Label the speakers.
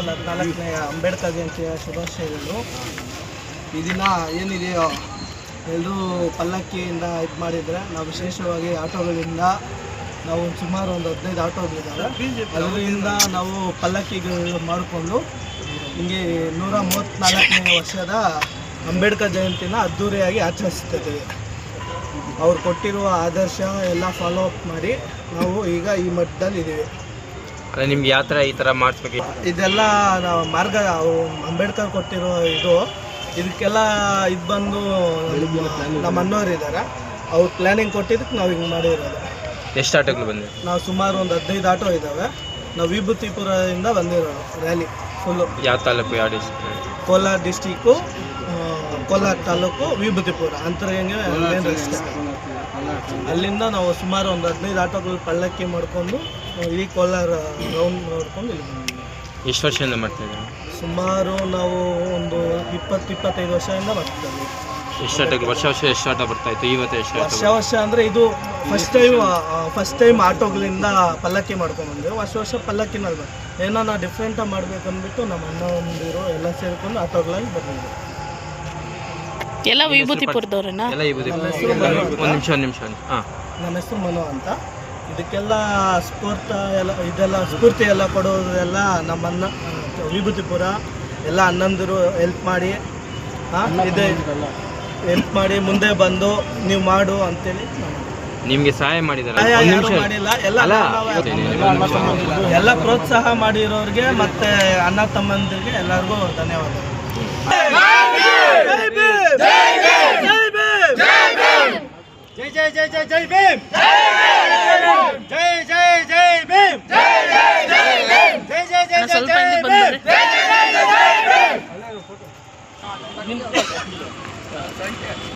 Speaker 1: 14ನೇ ಅಂಬೇಡ್ಕರ್ ಜಯಂತಿಯ ಶುಭಾಶಯಗಳು. ಈ ದಿನ ಏನಿದೆಯೋ ಎಲ್ಲರೂ ಪಲ್ಲಕ್ಕಿಯಿಂದ ಇದು ಮಾಡಿದರೆ, ನಾವು ವಿಶೇಷವಾಗಿ ಆಟೋಗಳಿಂದ ನಾವು ಸುಮಾರು ಒಂದು 15 ಆಟೋಗಳಿದ್ದಾವೆ. ಅದರಿಂದ ನಾವು ಪಲ್ಲಕ್ಕಿಗಳು ಮಾಡಿಕೊಂಡು ಹಿಂಗೆ 134ನೇ ವರ್ಷದ ಅಂಬೇಡ್ಕರ್ ಜಯಂತಿನ ಅದ್ಧೂರಿಯಾಗಿ ಆಚರಿಸ್ತಿದ್ದೀವಿ. ಅವ್ರು ಕೊಟ್ಟಿರುವ ಆದರ್ಶ ಎಲ್ಲ ಫಾಲೋ ಅಪ್ ಮಾಡಿ ನಾವು ಈಗ ಈ ಮಟ್ಟದಲ್ಲಿ ಇದ್ದೀವಿ.
Speaker 2: ನಿಮ್ಗೆ ಯಾವ ಥರ ಈ ಥರ ಮಾಡಿಸ್ಬೇಕು?
Speaker 1: ಇದೆಲ್ಲ ನಾವು ಮಾರ್ಗ ಅಂಬೇಡ್ಕರ್ ಕೊಟ್ಟಿರೋ ಇದಕ್ಕೆಲ್ಲ ಇದು ಬಂದು ನಮ್ಮ ಅಣ್ಣವ್ರು ಇದ್ದಾರೆ, ಅವ್ರು ಪ್ಲ್ಯಾನಿಂಗ್ ಕೊಟ್ಟಿದ್ದಕ್ಕೆ ನಾವು ಹಿಂಗೆ ಮಾಡಿರೋದು.
Speaker 2: ಎಷ್ಟು ಆಟೋಗಳು ಬಂದಿದೆ?
Speaker 1: ನಾವು ಸುಮಾರು ಒಂದು 15 ಆಟೋ ಇದ್ದಾವೆ. ನಾವು ವಿಭೂತಿಪುರದಿಂದ ಬಂದಿರೋದು ರ್ಯಾಲಿ ಫುಲ್ಲು.
Speaker 2: ಯಾವ ತಾಲೂಕು, ಯಾವ district?
Speaker 1: Kolar district, Kolar taluk, Vibhutipura Antaragange main ರಸ್ತೆ. ಅಲ್ಲಿಂದ ನಾವು ಸುಮಾರು ಒಂದು 15 ಆಟೋಗಳು ಪಲ್ಲಕ್ಕಿ ಮಾಡಿಕೊಂಡು ಇಡೀ ಕೋಲಾರ ರೌಂಡ್ ನೋಡ್ಕೊಂಡು ಇಲ್ಲಿ ಬಂದಿದ್ದೀವಿ.
Speaker 2: ಎಷ್ಟು ವರ್ಷದಿಂದ ಮಾಡ್ತಾಯಿದ್ದೀವಿ?
Speaker 1: ಸುಮಾರು ನಾವು ಒಂದು 20-25 ವರ್ಷದಿಂದ ಮಾಡ್ತಿದ್ದೀವಿ.
Speaker 2: ಎಷ್ಟು ಆಟೋಗಳು ವರ್ಷ ಎಷ್ಟು ಆಟೋ ಬರ್ತಾಯಿತ್ತು? ಇವತ್ತು ಎಷ್ಟು
Speaker 1: ವರ್ಷ ಅಂದರೆ ಇದು ಫಸ್ಟ್ ಟೈಮ್ ಆಟೋಗಳಿಂದ ಪಲ್ಲಕ್ಕಿ ಮಾಡ್ಕೊಂಡ್ಬಂದೆವು. ವರ್ಷ ಪಲ್ಲಕ್ಕಿನಲ್ಲಿ ಏನೋ ನಾವು ಡಿಫ್ರೆಂಟಾಗಿ ಮಾಡಬೇಕು ಅಂದ್ಬಿಟ್ಟು ನಮ್ಮ ಅಣ್ಣ ಒಂದಿರೋ ಎಲ್ಲ ಸೇರಿಕೊಂಡು ಆಟೋಗಳಲ್ಲಿ ಬಂದಿದ್ದೀವಿ.
Speaker 3: ಎಲ್ಲ ವಿಭೂತಿಪುರದವ್ರನ್ನ?
Speaker 2: ಎಲ್ಲ ವಿಭೂತಿಪುರ. ಒಂದು ನಿಮಿಷ. ಹಾಂ,
Speaker 1: ನನ್ನ ಹೆಸರು ಮನು ಅಂತ. ಇದಕ್ಕೆಲ್ಲ ಸ್ಫೂರ್ತಿ ಎಲ್ಲ ಕೊಡೋದೆಲ್ಲ ನಮ್ಮನ್ನ ವಿಭೂತಿಪುರ ಎಲ್ಲ ಅಣ್ಣಂದಿರು ಹೆಲ್ಪ್ ಮಾಡಿ ಮುಂದೆ ಬಂದು ನೀವು ಮಾಡು ಅಂತೇಳಿ
Speaker 2: ನಿಮಗೆ ಸಹಾಯ ಮಾಡಿದ್ದಾರೆ.
Speaker 1: ಮಾಡಿಲ್ಲ, ಎಲ್ಲ ಪ್ರೋತ್ಸಾಹ ಮಾಡಿರೋರಿಗೆ ಮತ್ತೆ ಅಣ್ಣ ತಮ್ಮಂದಿರಿಗೆ ಎಲ್ಲರಿಗೂ ಧನ್ಯವಾದಗಳು.
Speaker 4: ಜೈ ಜೈ ಜೈ ಜೈ ಜೈ ಭೀಮ್! ಜೈ ಜೈ ಜೈ ಭೀಮ್! ಜೈ ಜೈ ಜೈ ಭೀಮ್! ಜೈ ಜೈ ಜೈ ಜೈ ಭೀಮ್! ಜೈ ಜೈ ಜೈ ಜೈ ಭೀಮ್!